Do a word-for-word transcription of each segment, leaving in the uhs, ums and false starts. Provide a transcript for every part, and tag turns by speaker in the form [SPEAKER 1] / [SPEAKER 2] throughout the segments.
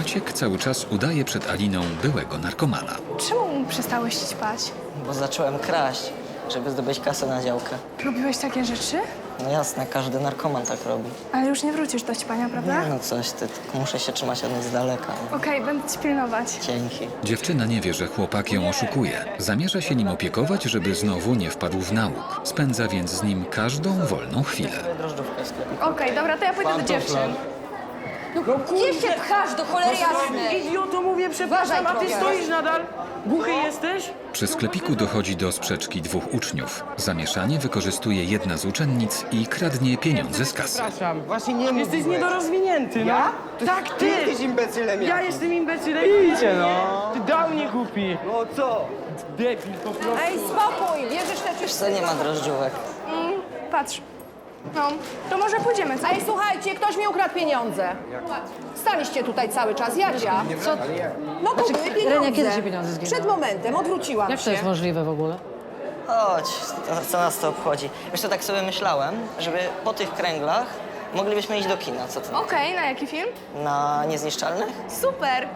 [SPEAKER 1] Maciek cały czas udaje przed Aliną byłego narkomana.
[SPEAKER 2] Czemu przestałeś ćpać?
[SPEAKER 3] Bo zacząłem kraść, żeby zdobyć kasę na działkę.
[SPEAKER 2] Robiłeś takie rzeczy?
[SPEAKER 3] No jasne, każdy narkoman tak robi.
[SPEAKER 2] Ale już nie wrócisz do ćpania, prawda?
[SPEAKER 3] Nie no coś ty, tylko muszę się trzymać od nich z daleka. Nie?
[SPEAKER 2] Okej, będę ci pilnować.
[SPEAKER 3] Dzięki.
[SPEAKER 1] Dziewczyna nie wie, że chłopak ją oszukuje. Zamierza się nim opiekować, żeby znowu nie wpadł w nałóg. Spędza więc z nim każdą wolną chwilę.
[SPEAKER 3] Drożdżówkę w sklepie.
[SPEAKER 2] Okej, dobra, to ja pójdę do dziewczyn.
[SPEAKER 4] Gdzie się pchasz, do cholery jasnej?
[SPEAKER 5] Idioto, mówię, przepraszam, a ty
[SPEAKER 4] Uważaj,
[SPEAKER 5] stoisz nadal? Głuchy jesteś?
[SPEAKER 1] Przy sklepiku dochodzi do sprzeczki dwóch uczniów. Zamieszanie wykorzystuje jedna z uczennic i kradnie pieniądze z kasy.
[SPEAKER 5] Przepraszam.
[SPEAKER 6] Właśnie nie mów.
[SPEAKER 5] Jesteś niedorozwinięty, no.
[SPEAKER 6] Ja?
[SPEAKER 5] Tak,
[SPEAKER 6] Ty
[SPEAKER 5] ty!
[SPEAKER 6] jesteś imbecylem
[SPEAKER 5] Ja
[SPEAKER 6] jakimś.
[SPEAKER 5] jestem imbecylem. Idzie, no. Ty dał mnie głupi.
[SPEAKER 6] No co?
[SPEAKER 5] Debil po prostu.
[SPEAKER 4] Ej, spokój, bierzesz te
[SPEAKER 3] Wiesz co, nie ma drożdżówek.
[SPEAKER 2] Mm, patrz. No, to może pójdziemy, co?
[SPEAKER 4] Ej, słuchajcie, ktoś mi ukradł pieniądze. Staliście tutaj cały czas, Jadzia. Co? No to były pieniądze.
[SPEAKER 7] Renia, kiedy się pieniądze zginęły?
[SPEAKER 4] Przed momentem, odwróciłam
[SPEAKER 7] Jak to
[SPEAKER 4] się.
[SPEAKER 7] jest możliwe w ogóle?
[SPEAKER 3] Chodź, to, co nas to obchodzi? Wiesz co, tak sobie myślałem, żeby po tych kręglach moglibyśmy iść do kina, co ty?
[SPEAKER 2] Okej, na jaki film?
[SPEAKER 3] Na Niezniszczalnych?
[SPEAKER 2] Super!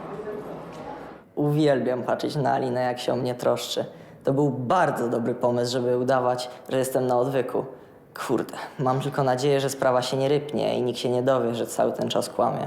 [SPEAKER 3] Uwielbiam patrzeć na Alinę, jak się o mnie troszczy. To był bardzo dobry pomysł, żeby udawać, że jestem na odwyku. Kurde, mam tylko nadzieję, że sprawa się nie rypnie i nikt się nie dowie, że cały ten czas kłamie.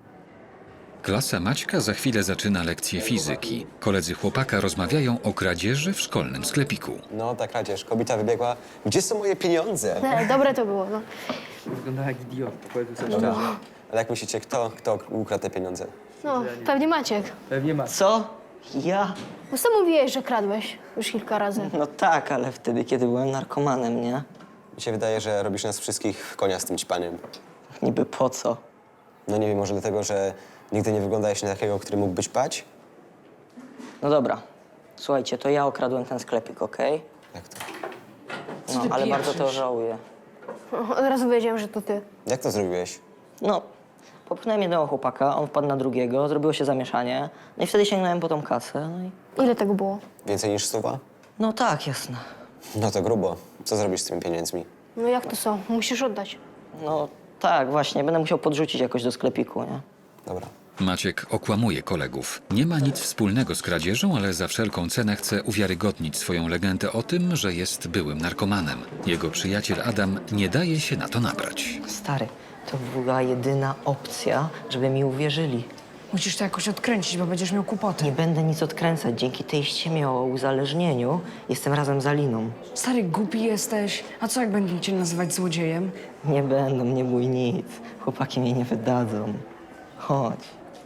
[SPEAKER 1] Klasa Maćka za chwilę zaczyna lekcję fizyki. Koledzy chłopaka rozmawiają o kradzieży w szkolnym sklepiku.
[SPEAKER 8] No, ta kradzież. Kobieta wybiegła. Gdzie są moje pieniądze?
[SPEAKER 9] Dobre to było, no.
[SPEAKER 6] Wygląda jak idiot, powiedz coś szczerze.
[SPEAKER 8] Ale jak myślicie, kto, kto ukradł te pieniądze?
[SPEAKER 9] No, pewnie Maciek.
[SPEAKER 6] Pewnie ma.
[SPEAKER 3] Co? Ja?
[SPEAKER 9] Bo sam mówiłeś, że kradłeś już kilka razy.
[SPEAKER 3] No tak, ale wtedy, kiedy byłem narkomanem, nie?
[SPEAKER 8] Mi się wydaje, że robisz nas wszystkich w konia z tym ćpaniem.
[SPEAKER 3] Niby po co?
[SPEAKER 8] No nie wiem, może dlatego, że nigdy nie wyglądałeś na takiego, który mógłbyś pać?
[SPEAKER 3] No dobra. Słuchajcie, to ja okradłem ten sklepik, okej?
[SPEAKER 8] Jak to?
[SPEAKER 3] No, ale bardzo to żałuję.
[SPEAKER 9] Od razu wiedziałem, że to ty.
[SPEAKER 8] Jak to zrobiłeś?
[SPEAKER 3] No, popchnąłem jednego chłopaka, on wpadł na drugiego, zrobiło się zamieszanie. No i wtedy sięgnąłem po tą kasę, no i...
[SPEAKER 9] Ile tego było?
[SPEAKER 8] Więcej niż stuwa?
[SPEAKER 3] No tak, jasne.
[SPEAKER 8] No to grubo. Co zrobisz z tymi pieniędzmi?
[SPEAKER 9] No jak to są? Musisz oddać.
[SPEAKER 3] No tak, właśnie, będę musiał podrzucić jakoś do sklepiku, nie?
[SPEAKER 8] Dobra.
[SPEAKER 1] Maciek okłamuje kolegów. Nie ma nic wspólnego z kradzieżą, ale za wszelką cenę chce uwiarygodnić swoją legendę o tym, że jest byłym narkomanem. Jego przyjaciel Adam nie daje się na to nabrać.
[SPEAKER 3] Stary, to była jedyna opcja, żeby mi uwierzyli.
[SPEAKER 7] Musisz to jakoś odkręcić, bo będziesz miał kłopoty.
[SPEAKER 3] Nie będę nic odkręcać. Dzięki tej ściemie o uzależnieniu jestem razem z Aliną.
[SPEAKER 7] Stary, głupi jesteś. A co jak będą cię nazywać złodziejem?
[SPEAKER 3] Nie będą, nie bój nic. Chłopaki mnie nie wydadzą. Chodź.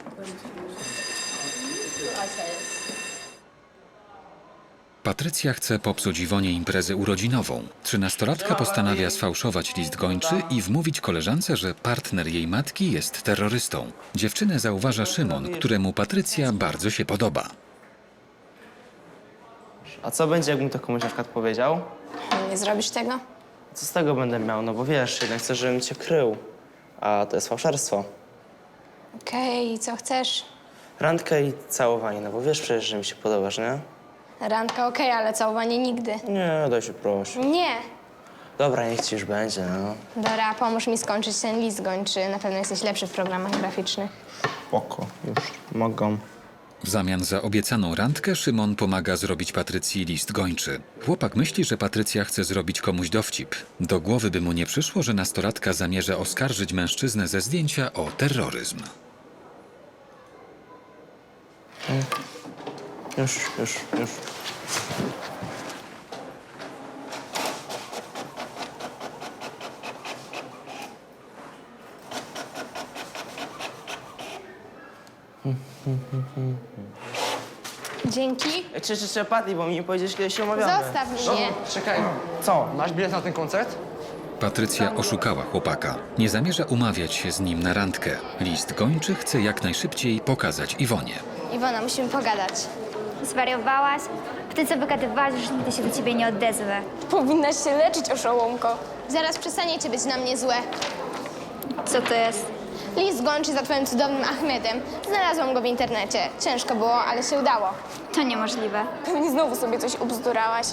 [SPEAKER 1] Patrycja chce popsuć Iwonie imprezę urodzinową. Trzynastolatka postanawia sfałszować list gończy i wmówić koleżance, że partner jej matki jest terrorystą. Dziewczynę zauważa Szymon, któremu Patrycja bardzo się podoba.
[SPEAKER 10] A co będzie, jakbym to komuś na przykład powiedział?
[SPEAKER 2] Nie zrobisz tego?
[SPEAKER 10] Co z tego będę miał? No bo wiesz, jednak chcę, żebym cię krył. A to jest fałszerstwo.
[SPEAKER 2] Okej, i co chcesz?
[SPEAKER 10] Randkę i całowanie, no bo wiesz przecież, że mi się podobasz, nie?
[SPEAKER 2] Randka okej, ale całowanie nigdy.
[SPEAKER 10] Nie, daj się prosić.
[SPEAKER 2] Nie.
[SPEAKER 10] Dobra, niech ci już będzie, no.
[SPEAKER 2] Dora, pomóż mi skończyć ten list gończy. Na pewno jesteś lepszy w programach graficznych.
[SPEAKER 10] Spoko, już mogą.
[SPEAKER 1] W zamian za obiecaną randkę Szymon pomaga zrobić Patrycji list gończy. Chłopak myśli, że Patrycja chce zrobić komuś dowcip. Do głowy by mu nie przyszło, że nastolatka zamierza oskarżyć mężczyznę ze zdjęcia o terroryzm.
[SPEAKER 10] Już, już, już.
[SPEAKER 2] Dzięki.
[SPEAKER 10] Czy, czy, czy, Patty, bo mi nie powiedziesz, kiedy się umawiamy.
[SPEAKER 2] Zostaw mnie.
[SPEAKER 6] Czekaj, co? Masz bilet na ten koncert?
[SPEAKER 1] Patrycja oszukała chłopaka. Nie zamierza umawiać się z nim na randkę. List gończy chce jak najszybciej pokazać Iwonie.
[SPEAKER 2] Iwona, musimy pogadać.
[SPEAKER 11] Zwariowałaś? Ty co wygadywałaś, już nigdy się do ciebie nie odezwę.
[SPEAKER 2] Powinnaś się leczyć, oszołomko. Zaraz przestaniecie być na mnie złe.
[SPEAKER 11] Co to jest?
[SPEAKER 2] List gończy za twoim cudownym Ahmedem. Znalazłam go w internecie. Ciężko było, ale się udało.
[SPEAKER 11] To niemożliwe.
[SPEAKER 2] Pewnie znowu sobie coś ubzdurałaś.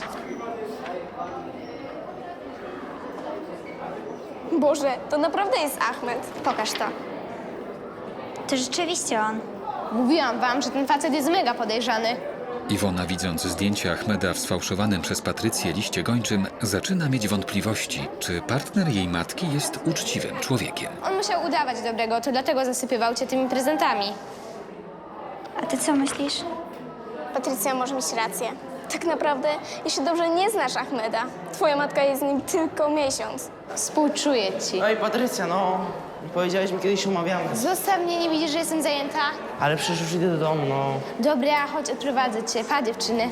[SPEAKER 2] Boże, to naprawdę jest Ahmed.
[SPEAKER 11] Pokaż to. To rzeczywiście on.
[SPEAKER 2] Mówiłam wam, że ten facet jest mega podejrzany.
[SPEAKER 1] Iwona, widząc zdjęcie Ahmeda w sfałszowanym przez Patrycję liście gończym, zaczyna mieć wątpliwości, czy partner jej matki jest uczciwym człowiekiem.
[SPEAKER 2] On musiał udawać dobrego, to dlatego zasypywał cię tymi prezentami.
[SPEAKER 11] A ty co myślisz?
[SPEAKER 12] Patrycja może mieć rację. Tak naprawdę, jeśli dobrze nie znasz Ahmeda, twoja matka jest z nim tylko miesiąc.
[SPEAKER 2] Współczuję ci.
[SPEAKER 10] Ej, Patrycja, no. Powiedziałeś mi kiedyś, umawiamy.
[SPEAKER 2] Zostaw mnie, nie widzisz, że jestem zajęta?
[SPEAKER 10] Ale przecież już idę do domu, no.
[SPEAKER 2] Dobra, chodź, odprowadzę cię. Pa, dziewczyny.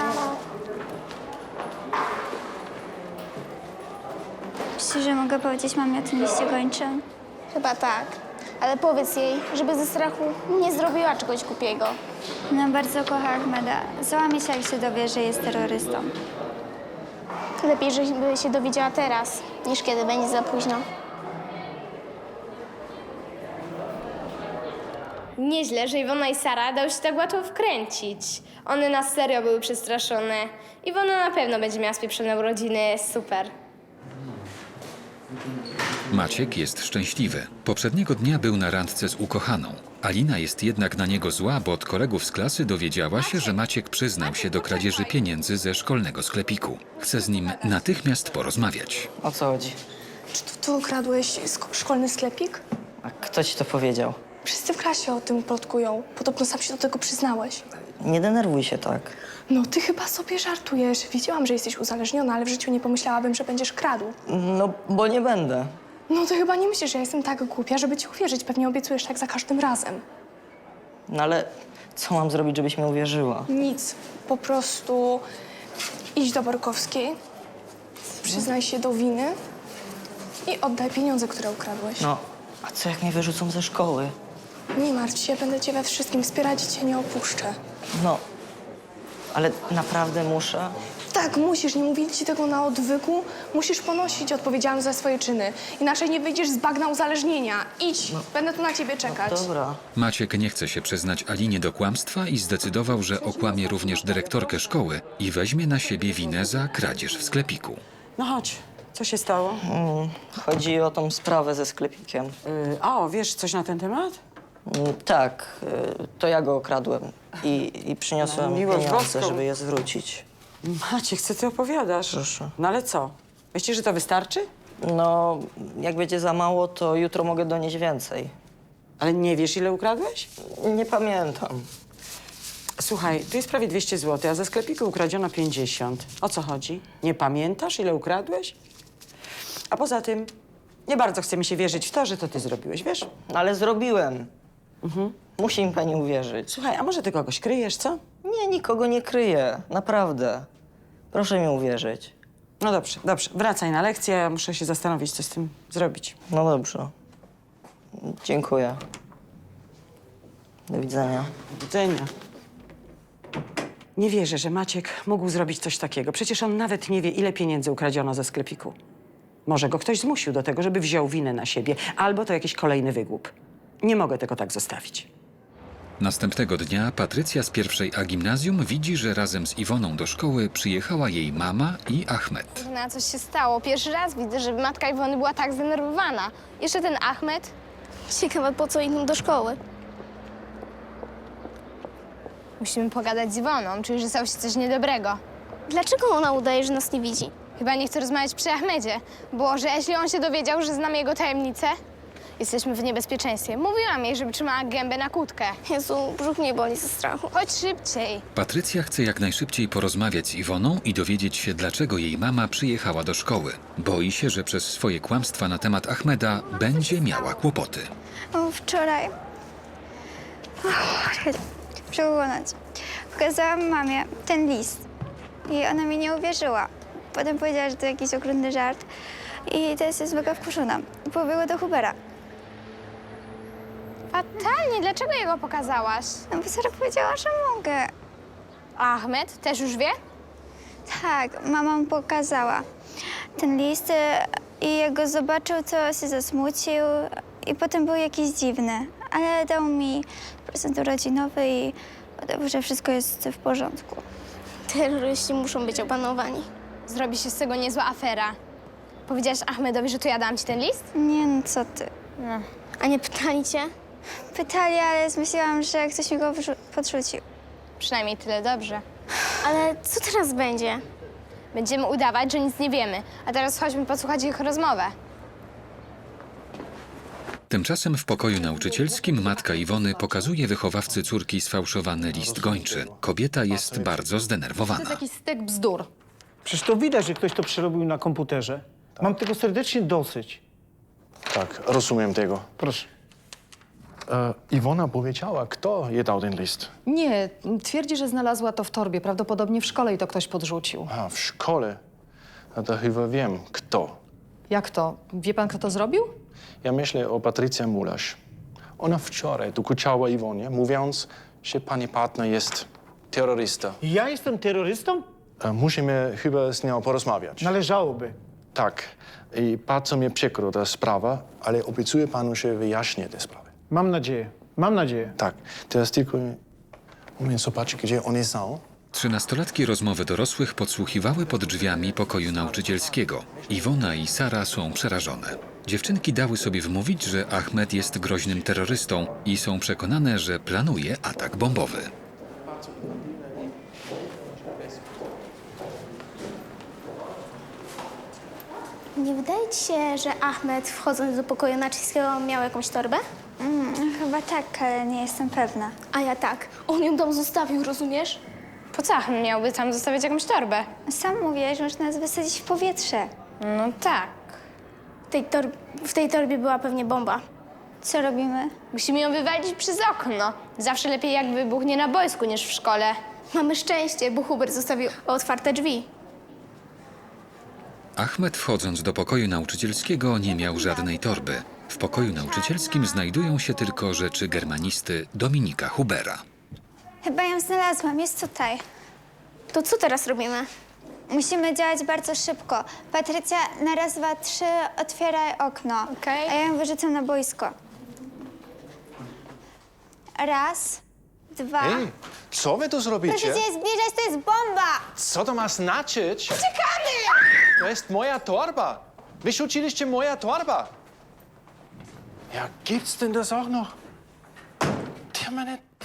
[SPEAKER 11] Myślisz, że mogę powiedzieć mamie o tym liście gończym?
[SPEAKER 12] Chyba tak. Ale powiedz jej, żeby ze strachu nie zrobiła czegoś głupiego.
[SPEAKER 11] No, bardzo kocha Ahmeda. Załamie się, jak się dowie, że jest terrorystą.
[SPEAKER 12] Lepiej, żeby się dowiedziała teraz, niż kiedy będzie za późno.
[SPEAKER 2] Nieźle, że Iwona i Sara dały się tak łatwo wkręcić. One na serio były przestraszone. Iwona na pewno będzie miała spieprzone urodziny. Super.
[SPEAKER 1] Maciek jest szczęśliwy. Poprzedniego dnia był na randce z ukochaną. Alina jest jednak na niego zła, bo od kolegów z klasy dowiedziała się, że Maciek przyznał się do kradzieży pieniędzy ze szkolnego sklepiku. Chce z nim natychmiast porozmawiać.
[SPEAKER 3] O co chodzi?
[SPEAKER 13] Czy to ty okradłeś sk- szkolny sklepik?
[SPEAKER 3] A kto ci to powiedział?
[SPEAKER 13] Wszyscy w klasie o tym plotkują. Podobno sam się do tego przyznałeś.
[SPEAKER 3] Nie denerwuj się tak.
[SPEAKER 13] No, ty chyba sobie żartujesz. Wiedziałam, że jesteś uzależniona, ale w życiu nie pomyślałabym, że będziesz kradł.
[SPEAKER 3] No, bo nie będę.
[SPEAKER 13] No, ty chyba nie myślisz, że ja jestem tak głupia, żeby ci uwierzyć. Pewnie obiecujesz tak za każdym razem.
[SPEAKER 3] No ale co mam zrobić, żebyś mi uwierzyła?
[SPEAKER 13] Nic. Po prostu idź do Borkowskiej, przyznaj się do winy i oddaj pieniądze, które ukradłeś.
[SPEAKER 3] No, a co jak mnie wyrzucą ze szkoły?
[SPEAKER 13] Nie martw się, będę cię we wszystkim wspierać i cię nie opuszczę.
[SPEAKER 3] No, ale naprawdę muszę?
[SPEAKER 13] Tak, musisz, nie mówili ci tego na odwyku. Musisz ponosić odpowiedzialność za swoje czyny. Inaczej nie wyjdziesz z bagna uzależnienia. Idź, będę tu na ciebie czekać.
[SPEAKER 3] No dobra.
[SPEAKER 1] Maciek nie chce się przyznać Alinie do kłamstwa i zdecydował, że okłamie również dyrektorkę szkoły i weźmie na siebie winę za kradzież w sklepiku.
[SPEAKER 14] No chodź, co się stało?
[SPEAKER 3] Mm, chodzi o tą sprawę ze sklepikiem.
[SPEAKER 14] Yy, o, wiesz coś na ten temat?
[SPEAKER 3] Mm, tak, y, to ja go okradłem i, i przyniosłem
[SPEAKER 14] No, miłość
[SPEAKER 3] pieniądze,
[SPEAKER 14] boską.
[SPEAKER 3] żeby je zwrócić.
[SPEAKER 14] Maciek, co ty opowiadasz?
[SPEAKER 3] Proszę.
[SPEAKER 14] No ale co? Myślisz, że to wystarczy?
[SPEAKER 3] No, jak będzie za mało, to jutro mogę donieść więcej.
[SPEAKER 14] Ale nie wiesz, ile ukradłeś?
[SPEAKER 3] Nie pamiętam.
[SPEAKER 14] Słuchaj, tu jest prawie dwieście złotych, a ze sklepiku ukradziono pięćdziesiąt. O co chodzi? Nie pamiętasz, ile ukradłeś? A poza tym, nie bardzo chce mi się wierzyć w to, że to ty zrobiłeś, wiesz?
[SPEAKER 3] Ale zrobiłem.
[SPEAKER 14] Mhm.
[SPEAKER 3] Musi mi pani uwierzyć.
[SPEAKER 14] Słuchaj, a może ty kogoś kryjesz, co?
[SPEAKER 3] Nie, nikogo nie kryję. Naprawdę. Proszę mi uwierzyć.
[SPEAKER 14] No dobrze, dobrze. Wracaj na lekcję, ja muszę się zastanowić, co z tym zrobić.
[SPEAKER 3] No dobrze. Dziękuję. Do widzenia.
[SPEAKER 14] Do widzenia. Nie wierzę, że Maciek mógł zrobić coś takiego. Przecież on nawet nie wie, ile pieniędzy ukradziono ze sklepiku. Może go ktoś zmusił do tego, żeby wziął winę na siebie. Albo to jakiś kolejny wygłup. Nie mogę tego tak zostawić.
[SPEAKER 1] Następnego dnia Patrycja z pierwszej A gimnazjum widzi, że razem z Iwoną do szkoły przyjechała jej mama i Ahmed.
[SPEAKER 2] Na coś się stało. Pierwszy raz widzę, żeby matka Iwony była tak zdenerwowana. Jeszcze ten Ahmed.
[SPEAKER 12] Ciekawe, po co idą do szkoły.
[SPEAKER 2] Musimy pogadać z Iwoną. Czuję, że stało się coś niedobrego.
[SPEAKER 12] Dlaczego ona udaje, że nas nie widzi?
[SPEAKER 2] Chyba nie chce rozmawiać przy Ahmedzie. Bo że jeśli on się dowiedział, że znamy jego tajemnicę, jesteśmy w niebezpieczeństwie. Mówiłam jej, żeby trzymała gębę na kłódkę.
[SPEAKER 12] Jezu, brzuch mnie boli ze strachu.
[SPEAKER 2] Chodź szybciej.
[SPEAKER 1] Patrycja chce jak najszybciej porozmawiać z Iwoną i dowiedzieć się, dlaczego jej mama przyjechała do szkoły. Boi się, że przez swoje kłamstwa na temat Ahmeda będzie miała kłopoty.
[SPEAKER 11] O, wczoraj. Przełonąć. Pokazałam mamie ten list i ona mi nie uwierzyła. Potem powiedziała, że to jakiś okrutny żart i teraz jest mega wkurzona. Pobiegła do Hubera.
[SPEAKER 2] Fatalnie. Dlaczego jego pokazałaś?
[SPEAKER 11] No bo Sara powiedziała, że mogę.
[SPEAKER 2] A Ahmed też już wie?
[SPEAKER 11] Tak, mama mu pokazała ten list e, i jak go zobaczył, to się zasmucił i potem był jakiś dziwny. Ale dał mi prezent urodzinowy i udał, że wszystko jest w porządku.
[SPEAKER 12] Terroryści muszą być opanowani.
[SPEAKER 2] Zrobi się z tego niezła afera. Powiedziałaś Ahmedowi, że to ja dałam ci ten list?
[SPEAKER 11] Nie, no co ty.
[SPEAKER 2] No.
[SPEAKER 12] A nie pytali cię?
[SPEAKER 11] Pytali, ale zmyśliłam, że ktoś mi go wrzu- podrzucił.
[SPEAKER 2] Przynajmniej tyle dobrze.
[SPEAKER 12] Ale co teraz będzie?
[SPEAKER 2] Będziemy udawać, że nic nie wiemy. A teraz chodźmy posłuchać ich rozmowę.
[SPEAKER 1] Tymczasem w pokoju nauczycielskim matka Iwony pokazuje wychowawcy córki sfałszowany list gończy. Kobieta jest bardzo zdenerwowana.
[SPEAKER 4] Jakiś stek bzdur.
[SPEAKER 5] Przecież to widać, że ktoś to przerobił na komputerze. Mam tego serdecznie dosyć.
[SPEAKER 15] Tak, rozumiem tego.
[SPEAKER 5] Proszę.
[SPEAKER 15] E, Iwona powiedziała, kto je dał ten list.
[SPEAKER 4] Nie, twierdzi, że znalazła to w torbie, prawdopodobnie w szkole i to ktoś podrzucił.
[SPEAKER 15] A, w szkole. A to chyba wiem, kto.
[SPEAKER 4] Jak to? Wie pan, kto to zrobił?
[SPEAKER 15] Ja myślę o Patrycja Mulasz. Ona wczoraj dokuczała Iwonie, mówiąc, że pani partner jest terrorysta.
[SPEAKER 5] Ja jestem terrorystą?
[SPEAKER 15] E, musimy chyba z nią porozmawiać.
[SPEAKER 5] Należałoby.
[SPEAKER 15] Tak. I bardzo mnie przykro ta sprawa, ale obiecuję panu, że wyjaśnię tę sprawę.
[SPEAKER 5] Mam nadzieję. Mam nadzieję.
[SPEAKER 15] Tak. Teraz tylko umiem zobaczyć, gdzie one są.
[SPEAKER 1] Trzynastolatki rozmowy dorosłych podsłuchiwały pod drzwiami pokoju nauczycielskiego. Iwona i Sara są przerażone. Dziewczynki dały sobie wmówić, że Ahmed jest groźnym terrorystą i są przekonane, że planuje atak bombowy.
[SPEAKER 12] Nie wydaje ci się, że Ahmed, wchodząc do pokoju Naczyńskiego, miał jakąś torbę?
[SPEAKER 11] Mm, chyba tak, ale nie jestem pewna.
[SPEAKER 12] A ja tak. On ją tam zostawił, rozumiesz?
[SPEAKER 2] Po co Ahmed miałby tam zostawiać jakąś torbę?
[SPEAKER 11] Sam mówiłeś, że można nas wysadzić w powietrze.
[SPEAKER 2] No tak.
[SPEAKER 12] W tej, tor- w tej torbie była pewnie bomba.
[SPEAKER 11] Co robimy?
[SPEAKER 2] Musimy ją wywalić przez okno. Zawsze lepiej jak wybuchnie na boisku niż w szkole.
[SPEAKER 12] Mamy szczęście, bo Hubert zostawił otwarte drzwi.
[SPEAKER 1] Ahmed, wchodząc do pokoju nauczycielskiego, nie miał żadnej torby. W pokoju nauczycielskim znajdują się tylko rzeczy germanisty Dominika Hubera.
[SPEAKER 11] Chyba ją znalazłam, jest tutaj.
[SPEAKER 12] To co teraz robimy?
[SPEAKER 11] Musimy działać bardzo szybko. Patrycja, na raz, dwa, trzy, otwieraj okno.
[SPEAKER 2] Okej.
[SPEAKER 11] A ja ją wyrzucam na boisko. Raz, dwa...
[SPEAKER 15] Ej, co wy tu zrobicie?
[SPEAKER 11] Proszę cię zbliżać, to jest bomba!
[SPEAKER 15] Co to ma znaczyć?
[SPEAKER 11] Uciekamy!
[SPEAKER 15] To jest moja torba. Wyrzuciliście moja torba. Ja, gibt's denn das auch noch? Die haben meine